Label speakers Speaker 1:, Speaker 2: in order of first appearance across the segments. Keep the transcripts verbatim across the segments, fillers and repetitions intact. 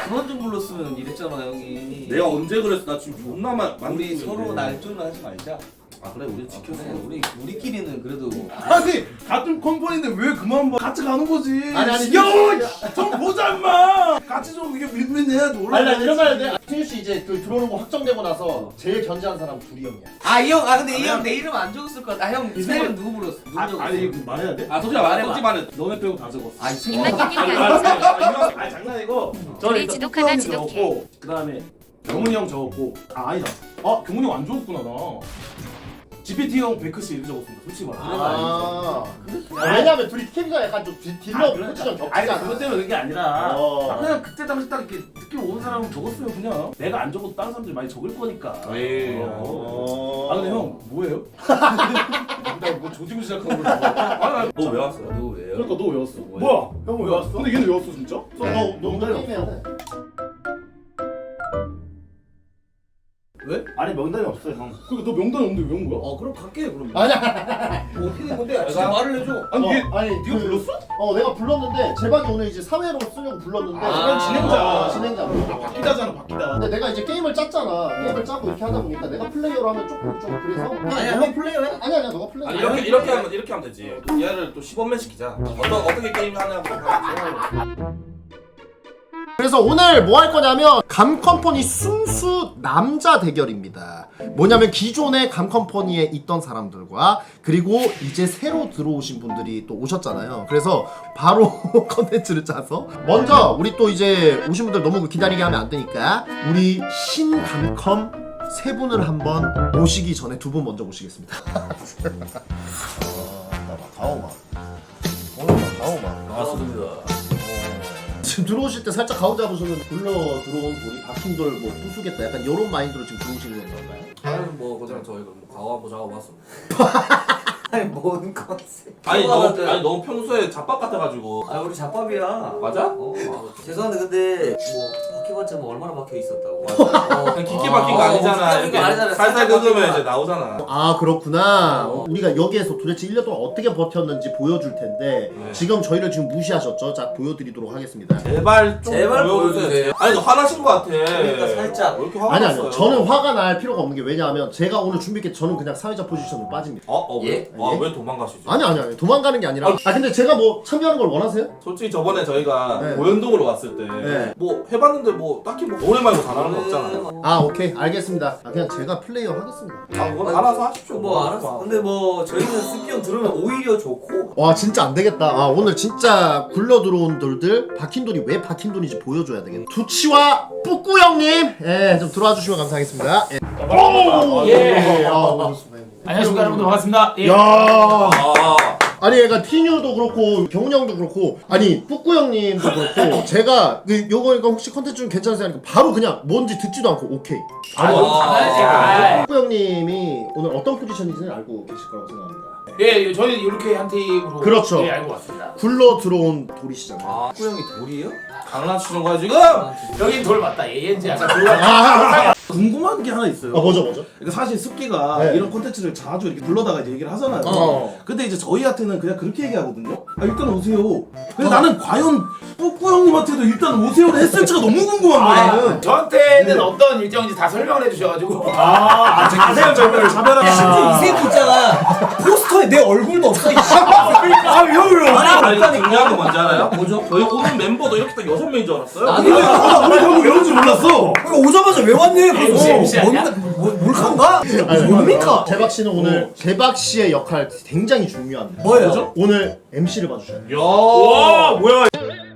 Speaker 1: 그만 좀 불렀으면 이랬잖아 형이.
Speaker 2: 내가 언제 그랬어? 나 지금 존나 만
Speaker 1: 우리 서로 날조는 하지 말자.
Speaker 2: 아 그래 우리 지켰어.
Speaker 1: 그래, 우리 우리끼리는 그래도.
Speaker 3: 아니 같은 컴퍼니인데 왜 그만 봐? 같이 가는 거지.
Speaker 4: 아니, 아니,
Speaker 3: 야좀 보자 임마. 같이 좀 이게 윈윈 해야지.
Speaker 4: 아니 나 이런 말 해야 돼. tinyu 씨 이제 그 들어오는 거 확정되고 나서 제일 견제한 사람 둘이 형이야.
Speaker 1: 아 이 형, 아 근데 이 형 내 이름 안 적었을 것 같아. 아 형 이름 누구 불렀어? 누구
Speaker 3: 아,
Speaker 1: 적었어?
Speaker 3: 아니 이거 말해야 돼?
Speaker 2: 아 솔직히 말해. 솔직히 말해.
Speaker 3: 너네 빼고 다 적었어.
Speaker 1: 아 이 새끼.
Speaker 5: 입맛님이 아니죠?
Speaker 3: 아 장난이고.
Speaker 5: 우리
Speaker 3: 일단
Speaker 5: 지독하다,
Speaker 3: 뚜꾸 형이
Speaker 5: 지독해.
Speaker 3: 적었고 그다음에 경훈이 형 적었고 아 아니다. 아 경훈이 형 안 적었구나 나. 지피티 형 베크 씨 이렇게 적었습니다. 솔직히 말해.
Speaker 4: 아, 아 왜냐면 둘이 케미가 약간 좀 딜- 딜러 포지션 겹치잖아.
Speaker 3: 아니 그것 때문에 그런 게 아니라
Speaker 4: 어.
Speaker 3: 아, 그냥 그때 당시 딱 이렇게 느낌 오는 사람은 적었어요 그냥. 내가 안 적어도 다른 사람들이 많이 적을 거니까.
Speaker 2: 에이.
Speaker 3: 어. 아 근데 형 뭐예요? 나뭐 조지고 시작한 거야. 아,
Speaker 2: 너 왜 왔어?
Speaker 1: 너 왜요?
Speaker 3: 그러니까 너 왜 왔어? 뭐야? 형 왜 왔어? 근데 얘는 왜 왔어 진짜?
Speaker 4: 너너 명단이 게임해야 돼.
Speaker 3: 왜? 아니 명단이 없어요 형. 그러니까 너 명단이 없는데 왜 온 거야?
Speaker 1: 어 그럼 갈게 그럼.
Speaker 4: 아니야.
Speaker 1: 뭐 어떻게 된 건데? 진짜 말을 해줘.
Speaker 3: 아니
Speaker 4: 어,
Speaker 3: 얘
Speaker 4: 아니
Speaker 3: 네가 불렀어?
Speaker 4: 어 내가 불렀는데 제박이 오늘 이제 사회로 쓰려고 불렀는데
Speaker 1: 아,
Speaker 3: 그냥 진행자.
Speaker 4: 어, 진행자.
Speaker 3: 아 바뀌다잖아 바뀌다.
Speaker 4: 근데 내가 이제 게임을 짰잖아. 게임을 짜고 이렇게 하다 보니까 내가 플레이어로 하면 조금 좀 그래서
Speaker 1: 아니야 형 플레이어 해.
Speaker 4: 아니 아니야 너가 플레이어.
Speaker 2: 아니 이렇게 이렇게 하면 이렇게 하면 되지. 얘를 또 십원맨 시키자. 어떤 어떻게 게임 하냐고.
Speaker 4: 그래서 오늘 뭐 할 거냐면 감컴퍼니 순수 남자 대결입니다. 뭐냐면 기존의 감컴퍼니에 있던 사람들과 그리고 이제 새로 들어오신 분들이 또 오셨잖아요. 그래서 바로 컨텐츠를 짜서 먼저 우리 또 이제 오신 분들 너무 기다리게 하면 안 되니까 우리 신감컴 세 분을 한번 모시기 전에 두 분 먼저 모시겠습니다. 어, 나막 가오마. 오늘 막 가오마.
Speaker 1: 반갑습니다.
Speaker 4: 지금 들어오실 때 살짝 가운 잡으시면 굴러 들어온 돌이 박힌 돌 뭐 부수겠다 약간 이런 마인드로 지금 들어오시는 건가요?
Speaker 1: 아니 뭐 그냥 저희가 뭐 가와 뭐 작업왔습니다. 아니 뭔 컨셉?
Speaker 2: 아니 너무 아니 너무 평소에 잡밥 같아가지고.
Speaker 1: 아 우리 잡밥이야.
Speaker 2: 맞아?
Speaker 1: 어, 아, 죄송한데 근데 뭐 박혀봤자 뭐 얼마나 박혀 있었다고. 어,
Speaker 2: 그냥 깊게 박힌 거 아니잖아.
Speaker 1: 깊게 박힌 거 아니잖아.
Speaker 2: 살살
Speaker 1: 살짝
Speaker 2: 긁으면
Speaker 1: 박힌
Speaker 2: 이제
Speaker 1: 거.
Speaker 2: 나오잖아.
Speaker 4: 아 그렇구나.
Speaker 1: 어.
Speaker 4: 우리가 여기에서 도대체 일 년 동안 어떻게 버텼는지 보여줄 텐데
Speaker 2: 네.
Speaker 4: 지금 저희를 지금 무시하셨죠? 자 보여드리도록 하겠습니다.
Speaker 2: 제발 좀
Speaker 1: 제발
Speaker 2: 보여주세요.
Speaker 1: 보여주세요.
Speaker 2: 아니 너 화나신 거 같아.
Speaker 1: 그러니까 살짝.
Speaker 2: 왜 이렇게 화가
Speaker 4: 아니
Speaker 2: 났어요?
Speaker 4: 아니요 저는 화가 날 필요가 없는 게 왜냐하면 제가 오늘 준비했기 저는 그냥 사회자 포지션으로 빠집니다.
Speaker 2: 어? 어 왜?
Speaker 1: 예?
Speaker 2: 와
Speaker 4: 예?
Speaker 2: 왜 도망가시죠?
Speaker 4: 아니 아니 아니 도망가는 게 아니라 아 근데 제가 뭐 참여하는 걸 원하세요?
Speaker 2: 솔직히 저번에 저희가
Speaker 4: 네.
Speaker 2: 고현동으로 왔을 때
Speaker 4: 네.
Speaker 2: 뭐 해봤는데 뭐 딱히 뭐 노래 말고 잘하는 거 없잖아요.
Speaker 4: 아 오케이 알겠습니다. 아, 그냥 제가 플레이어 하겠습니다.
Speaker 2: 아 그건 알아서 하십시오.
Speaker 1: 뭐 알았어. 근데 뭐 저희는 습기형 들으면 오히려 좋고.
Speaker 4: 와 진짜 안 되겠다. 아 오늘 진짜 굴러 들어온 돌들 박힌 돌이 왜 박힌 돌인지 보여줘야 되겠네. 두치와 뿌꾸 형님, 예, 좀 들어와 주시면 감사하겠습니다. 예. 오,
Speaker 3: 예.
Speaker 4: 아, 오셨습니다.
Speaker 3: 안녕하십니까 여러분들 반갑습니다. 예.
Speaker 4: 야,
Speaker 2: 아
Speaker 4: 아니 얘가 티뉴도 그렇고 경훈이 형도 그렇고 아니 뿌꾸 형님도 그렇고 제가 그 요거 이거 혹시 컨텐츠 좀 괜찮으세요? 하니까 바로 그냥 뭔지 듣지도 않고 오케이. 바로
Speaker 2: 아,
Speaker 4: 뿌꾸 형님이 오늘 어떤 포지션인지는 알고 계실 거라고 생각합니다.
Speaker 3: 예, 저희는 이렇게 한 팀으로
Speaker 4: 그렇죠.
Speaker 3: 예, 알고 왔습니다.
Speaker 4: 굴러 들어온 돌이시잖아요.
Speaker 1: 아 꾸형이 돌이에요?
Speaker 2: 장난치는 거야 지금?
Speaker 3: 여긴 돌 맞다. 예엔지 약간 돌.
Speaker 4: 아,
Speaker 3: 궁금한 게 하나 있어요.
Speaker 4: 아 뭐죠 뭐죠?
Speaker 3: 그러니까 사실 습기가
Speaker 4: 네.
Speaker 3: 이런 콘텐츠를 자주 이렇게 불러다가 이제 얘기를 하잖아요.
Speaker 4: 어.
Speaker 3: 근데 이제 저희한테는 그냥 그렇게 얘기하거든요. 아 일단 오세요. 근데 나는 과연 뿌꾸 형님한테도 일단 오세요를 했을지가 너무 궁금한 거야.
Speaker 6: 저한테는
Speaker 3: 네.
Speaker 6: 어떤 일정인지 다 설명을 해주셔가지고
Speaker 3: 아, 자세한 설명을 차별하게.
Speaker 1: 심지어 이 새끼 있잖아. 포스터에 내 얼굴도 없어. 이
Speaker 3: 아, 왜요?
Speaker 2: 아니 중요한 거 뭔지 알아요? 뭐죠? 저희 오는 멤버도 이렇게 딱 여섯 명인 줄 알았어요.
Speaker 1: 나도
Speaker 3: 근데 아, 우리 형이 이런지 몰랐어.
Speaker 1: 그러니까 오자마자 왜 왔네?
Speaker 6: 엠씨, 엠씨 아니야?
Speaker 1: 뭘칸가? 뭡니까?
Speaker 4: 재박 씨는 오늘 재박 씨의 역할 굉장히 중요합니다.
Speaker 1: 뭐예요?
Speaker 4: 오늘 엠씨를 봐주셔야 돼요.
Speaker 2: 야,
Speaker 3: 뭐야?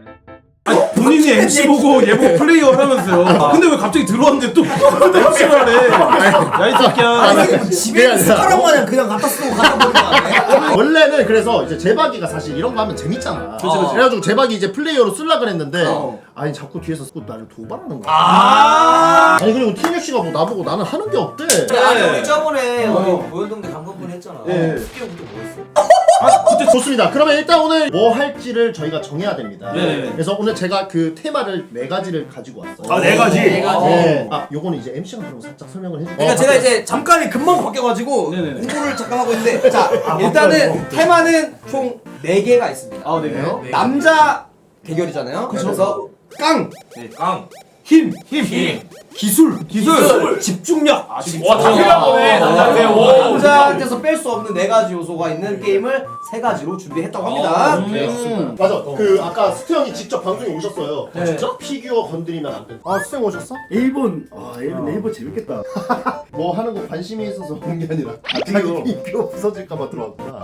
Speaker 3: 본인이 엠씨 보고 얘보 플레이어 하면서요. 근데 왜 갑자기 들어왔는데 또 엠씨를 하래? 야 이 새끼야.
Speaker 1: 집에 있는 숟가락 마냥 그냥 갖다 쓰고 갖다 버리는 거 아니야?
Speaker 4: 원래는 그래서 이제 재박이가 사실 이런 거 하면 재밌잖아.
Speaker 1: 그치, 그치.
Speaker 4: 그래가지고 재박이 이제 플레이어로 쓰려 그랬는데
Speaker 1: 어.
Speaker 4: 아니 자꾸 뒤에서 또 나를 도발하는 거야.
Speaker 3: 아.
Speaker 4: 아니 그리고 티뉴 씨가 뭐 나보고 나는 하는 게 없대.
Speaker 1: 아니 우리 저번에
Speaker 3: 어.
Speaker 1: 우리 보현동대 감독분 했잖아.
Speaker 4: 예.
Speaker 1: 습기형부터 뭐 했어?
Speaker 4: 아, 그때 좋습니다. 그러면 일단 오늘 뭐 할지를 저희가 정해야 됩니다.
Speaker 3: 네.
Speaker 4: 그래서 오늘 제가 그 테마를 네 가지를 가지고 왔어요.
Speaker 3: 아, 네 가지?
Speaker 1: 네 가지.
Speaker 4: 네. 아, 요거는 이제 엠씨가 그럼 살짝 설명을 해줄게요.
Speaker 1: 그러니까 제가 이제 잠깐 금방 바뀌어가지고
Speaker 3: 네네네.
Speaker 1: 공부를 잠깐 하고 있는데 자 일단은 테마는 총 네 개가 있습니다.
Speaker 3: 아, 네 개요?
Speaker 1: 남자 대결이잖아요. 그래서
Speaker 4: 깡.
Speaker 1: 네, 깡.
Speaker 3: 힘, 힘, 힘.
Speaker 1: 기술.
Speaker 3: 기술.
Speaker 1: 집중력.
Speaker 3: 아, 진짜.
Speaker 6: 와, 다 필요한 거네, 남자한테. 오.
Speaker 1: 남자한테서 뺄 수 없는 네 가지 요소가 있는 게임을 세 가지로 준비했다고 합니다.
Speaker 4: 음. 맞아. 그 아까 스트 형이 직접 방송에 오셨어요.
Speaker 1: 네. 진짜?
Speaker 4: 피규어 건드리면 안 돼. 아, 스트 형 오셨어?
Speaker 7: 일본 아 일본 일본 재밌겠다.
Speaker 4: 뭐 하는 거 관심이 있어서 온 게 아니라
Speaker 7: 이거.
Speaker 4: 자기 피규어 부서질까봐 들어왔구나.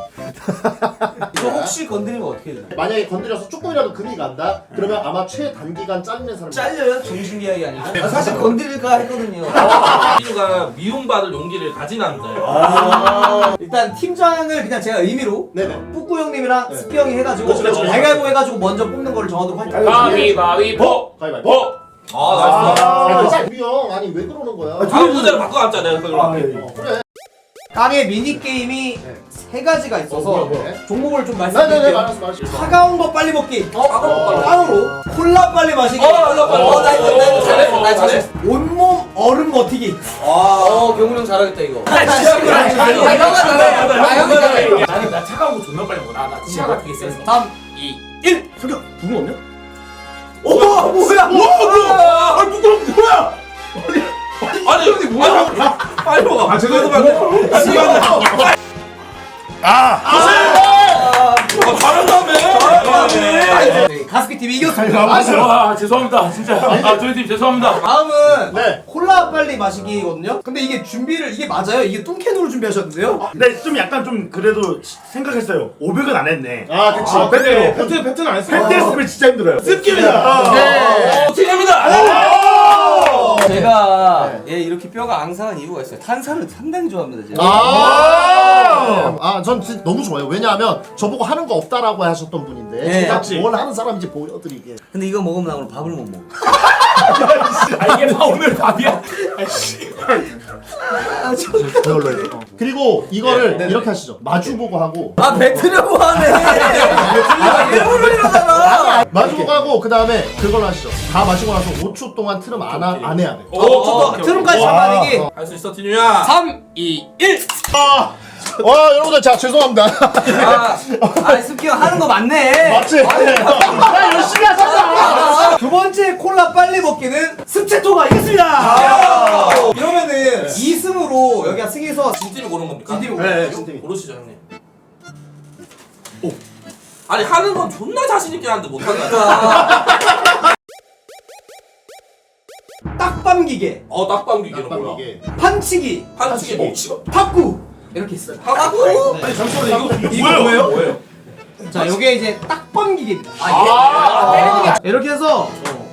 Speaker 1: 이거 혹시 건드리면 어떻게 돼요?
Speaker 4: 만약에 건드려서 조금이라도 금이 간다? 그러면 아마 최단기간 잘리는 사람.
Speaker 1: 잘려요? 정신계약이 아니고? 아, 사실 건드릴까 했거든요.
Speaker 2: 피규가 미움받을 용기를 가진 남자예요.
Speaker 1: 아. 일단 팀장을 그냥 제가 의미로
Speaker 4: 네네.
Speaker 1: 뿌꾸 형님이랑
Speaker 4: 네.
Speaker 1: 스피 형이 해가지고
Speaker 4: 그렇죠, 그렇죠.
Speaker 1: 가위바위보 해가지고 먼저 뽑는 거를 정하도록 할게요.
Speaker 6: 가위바위보.
Speaker 4: 가위바위보.
Speaker 6: 보.
Speaker 2: 아, 나이스.
Speaker 4: 아, 우리 형 아니 왜 그러는 거야?
Speaker 2: 다음 문제를 바꿔놨자 내가 그걸로 할게.
Speaker 4: 어, 그래.
Speaker 1: 깡의 미니게임이 세 가지가 있어서
Speaker 4: 어, 뭐야, 뭐야?
Speaker 1: 종목을 좀
Speaker 4: 네네네
Speaker 1: 말씀드릴게요.
Speaker 4: 알았어 알았어.
Speaker 1: 차가운 거 빨리 먹기.
Speaker 2: 어, 아,
Speaker 1: 깡으로 콜라 빨리 마시기.
Speaker 2: 어, 콜라 빨리
Speaker 1: 어, 나 이거 나 이거 잘했어. 나
Speaker 2: 어,
Speaker 1: 잘했어. 온몸 얼음 버티기. 아, 어, 경훈 형 잘하겠다 이거. 아,
Speaker 6: 아,
Speaker 1: 형아 잘해. 아, 형이 잘해.
Speaker 6: 나는 나 차가운 거 존나 빨리 먹어. 나, 나 치아 같은 게 세서.
Speaker 1: 삼,
Speaker 6: 이, 일.
Speaker 7: 성격 부금 없냐?
Speaker 1: 오, 뭐야?
Speaker 3: 와, 뭐야? 아, 부끄러워, 뭐야?
Speaker 2: 아니, 아니, 뭐야? 빨리 먹어.
Speaker 3: 아, 죄송합니다.
Speaker 2: 시간을.
Speaker 7: 아
Speaker 2: 아, 잘한다며.
Speaker 1: 네, 가스피 티비 이겼습니다.
Speaker 6: 아, 죄송합니다. 진짜. 아, 저희 팀 죄송합니다.
Speaker 1: 다음은
Speaker 4: 네.
Speaker 1: 콜라 빨리 마시기거든요. 근데 이게 준비를 이게 맞아요? 이게 뚱캔으로 준비하셨는데요?
Speaker 7: 근데 좀 약간 좀 그래도 생각했어요. 오백은 안 했네.
Speaker 4: 아 그치.
Speaker 3: 아, 패트, 패트, 패트는 안 했어.
Speaker 7: 팬 했으면 진짜 힘들어요.
Speaker 3: 습기입니다.
Speaker 4: 네.
Speaker 2: 팀입니다.
Speaker 1: 제가 얘 이렇게 뼈가 앙상한 이유가 있어요. 탄산을 상당히 좋아합니다. 제가.
Speaker 4: 아, 아, 전 진짜 너무 좋아요. 왜냐하면 저보고 하는 거 없다라고 하셨던 분인데
Speaker 1: 네,
Speaker 4: 제가
Speaker 3: 맞지.
Speaker 4: 뭘 하는 사람인지 보여드리게.
Speaker 1: 근데 이거 먹으면 나 오늘 밥을 못 먹어.
Speaker 6: 아, 이게 다 오늘 밥이야?
Speaker 4: 그걸로 해요. 어. 그리고 이거를
Speaker 1: 네, 네,
Speaker 4: 이렇게 하시죠. 마주보고 하고.
Speaker 1: 아 뱉으려고 하네. 아, 일부러 이러잖아.
Speaker 4: 마주보고 하고 그 다음에 그걸로 하시죠. 다 마시고 나서 오 초 동안 트름 안, 하, 안 해야 돼.
Speaker 2: 오,
Speaker 1: 어, 트름까지 잡아내기.
Speaker 2: 할 수 있어, 티뉴야.
Speaker 1: 삼, 이, 일.
Speaker 4: 와 여러분들 자 죄송합니다.
Speaker 1: 아, 아 습기 형 하는 거 맞네.
Speaker 4: 맞지? 나 열심히 하잖아.
Speaker 1: 두 번째 콜라 빨리 먹기는 스체토가 이겼습니다. 이러면은 이 승으로 여기가 승에서
Speaker 2: 진팀이 고른 겁니까?
Speaker 1: 진팀이
Speaker 4: 네, 진팀이.
Speaker 2: 고르시죠, 형님. 오. 아니, 하는 건 존나 자신있게 하는데 못한다.
Speaker 1: 딱밤 기계,
Speaker 2: 어, 딱방귀기는 뭐야?
Speaker 4: 이게.
Speaker 1: 판치기,
Speaker 2: 한치기 뭐?
Speaker 1: 탁구 이렇게 있어요.
Speaker 2: 하고?
Speaker 3: 아니, 잠시만요. 이거, 이거 뭐예요? 뭐예요?
Speaker 1: 자, 요게 이제 딱밤 기계입니다. 아, 때리는 게 이렇게 해서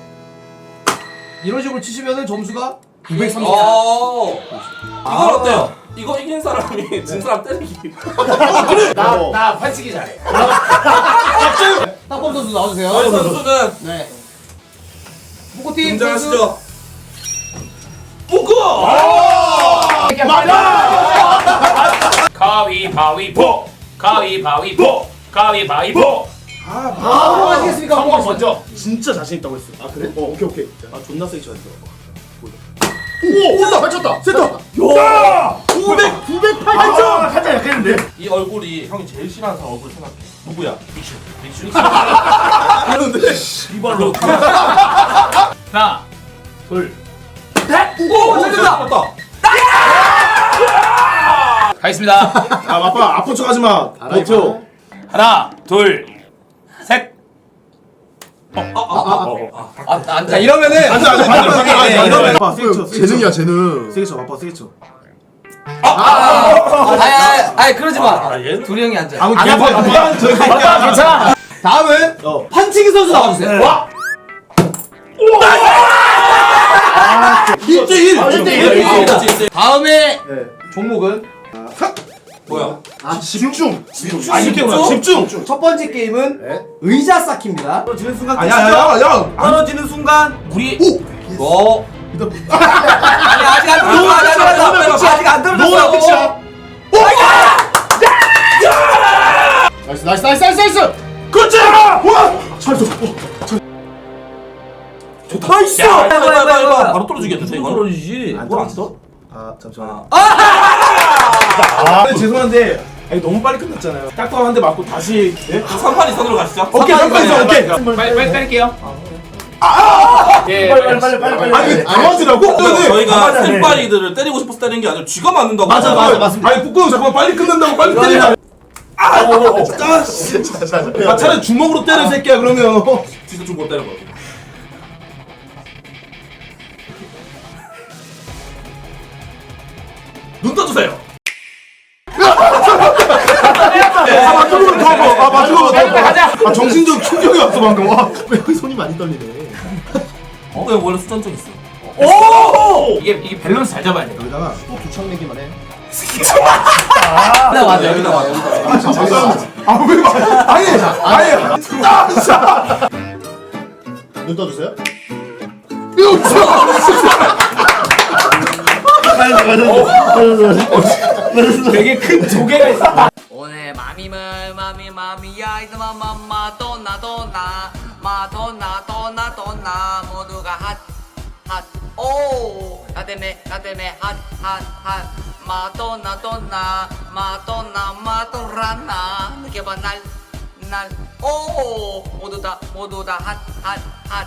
Speaker 1: 이런 식으로 치시면은 점수가 구백삼십.
Speaker 2: 어. 이건 어때요? 이거 이긴 사람이 진 사람 때리기.
Speaker 6: 나, 나 판치기 잘해.
Speaker 1: 딱밤 선수 나와주세요.
Speaker 2: 저희 선수는
Speaker 1: 네. 포코팀 선수.
Speaker 2: 등장하시죠. 뿌꾸!
Speaker 6: 가위바위보. 가위바위보. 가위바위보.
Speaker 1: 아, 하시겠습니까?
Speaker 6: 성공 먼저.
Speaker 7: 진짜 자신 있다고 했어.
Speaker 4: 아 그래?
Speaker 7: 어 오케이 오케이. 아 존나 세게 쳤어.
Speaker 4: 오! 됐다! 맞췄다! 됐다!
Speaker 7: 야!
Speaker 4: 구백! 구백팔!
Speaker 7: 아 살짝 약했는데.
Speaker 2: 이 얼굴이 형이 제일 싫어하는 사람 얼굴 생각해. 누구야? 믹슈. 믹슈.
Speaker 7: 이발로.
Speaker 6: 하나, 둘,
Speaker 2: 오, 잘된다.
Speaker 6: 가겠습니다.
Speaker 3: 아, 아빠, 아픈 척 하지 마. 버텨.
Speaker 6: 하나, 둘, 셋.
Speaker 1: 자, 이러면은
Speaker 3: 앉아, 앉아, 앉아, 앉아, 앉아,
Speaker 1: 이러면
Speaker 3: 아빠, 세게 쳐, 세게 쳐.
Speaker 4: 재능이야 재능.
Speaker 3: 세게 쳐, 아빠, 세게 쳐.
Speaker 1: 아니, 아니, 아니, 그러지 마.
Speaker 2: 얘는?
Speaker 1: 둘이 형이 앉아.
Speaker 3: 아무 괜찮아, 괜찮아. 저기
Speaker 6: 맞다, 괜찮아.
Speaker 1: 다음은
Speaker 3: 어.
Speaker 1: 판치기 선수 나와주세요. 와.
Speaker 4: 일 대 일!
Speaker 7: 아, 일 대 일.
Speaker 4: 일 대 일.
Speaker 2: 그렇지.
Speaker 1: 다음에 종목은
Speaker 2: 뭐야?
Speaker 4: 아 집중!
Speaker 3: 아, 집중! 집중!
Speaker 1: 첫 번째 게임은
Speaker 4: 네.
Speaker 1: 의자 쌓기입니다. 떨어지는 순간
Speaker 3: 아, 야, 야, 야, 야!
Speaker 1: 떨어지는 순간
Speaker 6: 우리
Speaker 1: 오. 아니 아직 안 떨어졌어. 아직 안 떨어졌어. 아직 안 떨어졌어.
Speaker 4: 너가 끝이야! 나이스 나이스 나이스 나이스 나이스!
Speaker 3: 그렇지! 와! 잘했어.
Speaker 2: 좋다, 있어!
Speaker 1: 해봐,
Speaker 2: 해봐,
Speaker 1: 해봐,
Speaker 2: 해봐,
Speaker 1: 해봐.
Speaker 2: 해봐. 바로 떨어지겠는데, 이거?
Speaker 1: 떨어지지.
Speaker 3: 안 떨어졌어? 아, 잠시만요.
Speaker 1: 아!
Speaker 3: 아, 근데 죄송한데 아니, 너무 빨리 끝났잖아요. 딱밤 한 대 맞고 다시 예?
Speaker 2: 삼 판 이상으로 가시죠.
Speaker 3: 오케이,
Speaker 1: 삼 판
Speaker 3: 삼판 이상
Speaker 1: 이상.
Speaker 3: 오케이.
Speaker 6: 빨리 빨리 때릴게요. 예.
Speaker 7: 빨리 빨리 빨리 빨리 빨리.
Speaker 3: 아니 왜 당황하시라고?
Speaker 2: 그러니까 저희가
Speaker 7: 맞아, 네.
Speaker 2: 센파이들을 때리고 싶어서 때리는 게 아니라 쥐가 맞는다고.
Speaker 3: 맞아 맞아 맞습니다. 아니 북구형 잠깐만 빨리 끝낸다고 빨리 때리라. 아 차라리 주먹으로 때려 새끼야 그러면.
Speaker 2: 진짜 좀 못 때려 봐. 눈 떠주세요.
Speaker 3: 아 마지막으로 더 봐. 아 마지막으로 더 봐.
Speaker 6: 가자.
Speaker 3: 아 정신적 충격이 왔어 방금. 와.
Speaker 4: 왜 손이 많이 떨리네.
Speaker 2: 어, 그냥 원래 수전증 있어.
Speaker 6: 이게 이게 밸런스 잘 잡아야 돼.
Speaker 4: 여기다가 또 두창 내기만 해.
Speaker 2: 여기다 맞아, 여기다 맞아.
Speaker 3: 아왜 말? 아니 아니.
Speaker 4: 눈 떠주세요.
Speaker 6: 되게 큰 조개가 있어.
Speaker 5: 오늘 마미물 마미 마미야 이스마 마마 도나 도나 마도나 도나 도나 모두가 핫핫오 나 때문에 나 때문에 핫핫핫 마도나 도나 마도나 마도라나 느껴봐 날날오 모두 다 모두 다 핫핫핫